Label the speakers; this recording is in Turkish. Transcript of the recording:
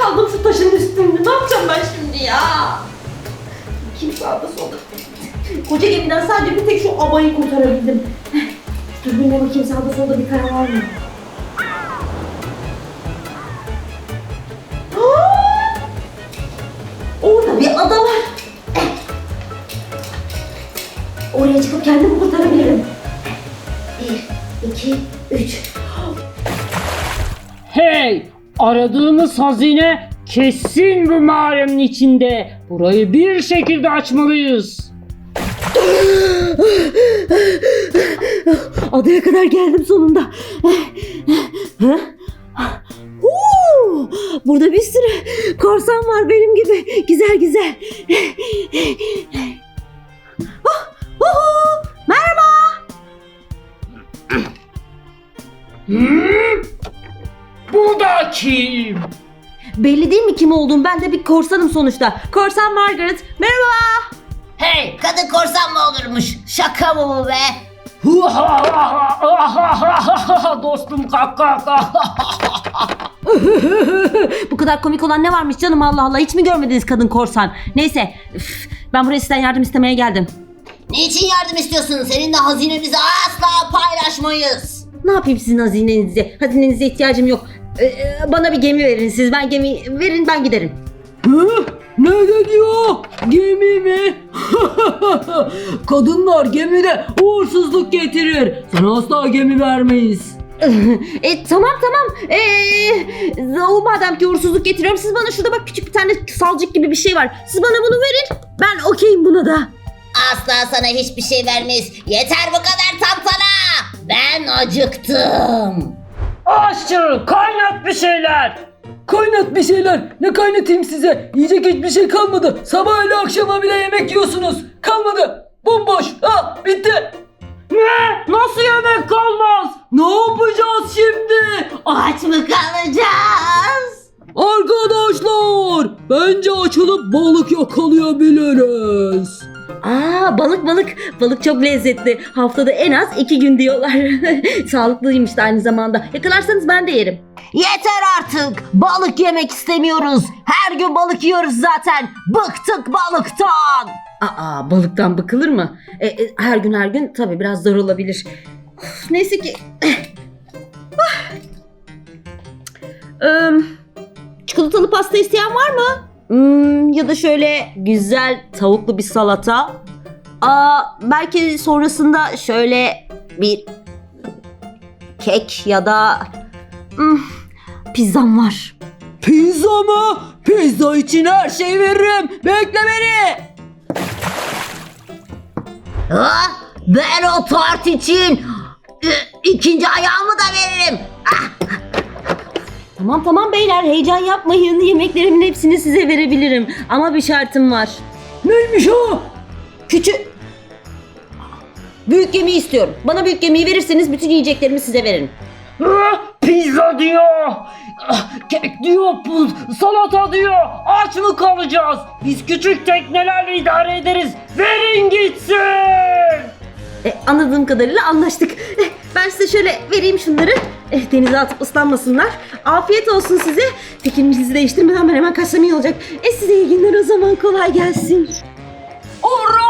Speaker 1: kaldım şu taşın üstünde. Ne yapacağım ben şimdi ya? Kim sağda solda? Koca gemiden sadece bir tek şu abayı kurtarabildim. Dur bir bakayım sağda solda bir kara var mı? Orada bir ada var. Oraya çıkıp kendimi kurtarabilirim. 1, 2, 3.
Speaker 2: Hey! Aradığımız hazine kesin bu mağaranın içinde. Burayı bir şekilde açmalıyız.
Speaker 1: Adaya kadar geldim sonunda. Burada bir sürü korsan var benim gibi. Güzel güzel. Merhaba.
Speaker 2: Bu da kim?
Speaker 1: Belli değil mi kim olduğum? Ben de bir korsanım sonuçta. Korsan Margaret. Merhaba.
Speaker 3: Hey, kadın korsan mı olurmuş? Şaka mı bu be?
Speaker 2: Dostum kalk kalk.
Speaker 1: Bu kadar komik olan ne varmış canım, Allah Allah. Hiç mi görmediniz kadın korsan? Neyse. Ben buraya sizden yardım istemeye geldim.
Speaker 3: Niçin yardım istiyorsun? Seninle hazinemizi asla paylaşmayız.
Speaker 1: Ne yapayım sizin hazinenize? Hazinenize ihtiyacım yok. Bana bir gemi verin siz. Ben gemi verin, ben giderim.
Speaker 2: Ne diyor? Gemi mi? Kadınlar gemide uğursuzluk getirir. Sana asla gemi vermeyiz.
Speaker 1: Tamam. Madem ki uğursuzluk getiriyorum, siz bana şurada bak küçük bir tane salcık gibi bir şey var. Siz bana bunu verin. Ben okeyim buna da.
Speaker 3: Asla sana hiçbir şey vermeyiz. Yeter bu kadar tantana. Ben acıktım.
Speaker 2: Aşçı kaynat bir şeyler. Kaynat bir şeyler. Ne kaynatayım size? Yiyecek hiçbir şey kalmadı. Sabah ile akşama bile yemek yiyorsunuz. Kalmadı. Bomboş. Ha bitti. Ne? Nasıl yemek kalmaz? Ne yapacağız şimdi?
Speaker 1: Aç mı kalacağız?
Speaker 2: Arkadaşlar bence açılıp balık yakalayabiliriz.
Speaker 1: Balık çok lezzetli. Haftada en az 2 gün diyorlar. Sağlıklıymış da aynı zamanda. Yakalarsanız ben de yerim.
Speaker 3: Yeter artık. Balık yemek istemiyoruz. Her gün balık yiyoruz zaten. Bıktık balıktan.
Speaker 1: Balıktan bıkılır mı? Her gün tabii biraz zor olabilir. Neyse ki. Çikolatalı pasta isteyen var mı? Ya da şöyle güzel tavuklu bir salata. Belki sonrasında şöyle bir kek ya da pizzam var.
Speaker 2: Pizza mı? Pizza için her şeyi veririm. Bekle beni.
Speaker 3: Ben o tart için ikinci ayağımı da veririm.
Speaker 1: Tamam beyler, heyecan yapmayın. Yemeklerimin hepsini size verebilirim. Ama bir şartım var.
Speaker 2: Neymiş o?
Speaker 1: Büyük gemi istiyorum. Bana büyük gemiyi verirseniz bütün yiyeceklerimi size veririm.
Speaker 2: Pizza diyor. Kek diyor. Salata diyor. Aç mı kalacağız? Biz küçük teknelerle idare ederiz. Verin gitsin.
Speaker 1: Anladığım kadarıyla anlaştık. Ben size şöyle vereyim şunları. Denize atıp ıslanmasınlar. Afiyet olsun size. Fikrinizi değiştirmeden ben hemen kaçsam iyi olacak. Size iyi günler o zaman. Kolay gelsin.
Speaker 2: Hurra!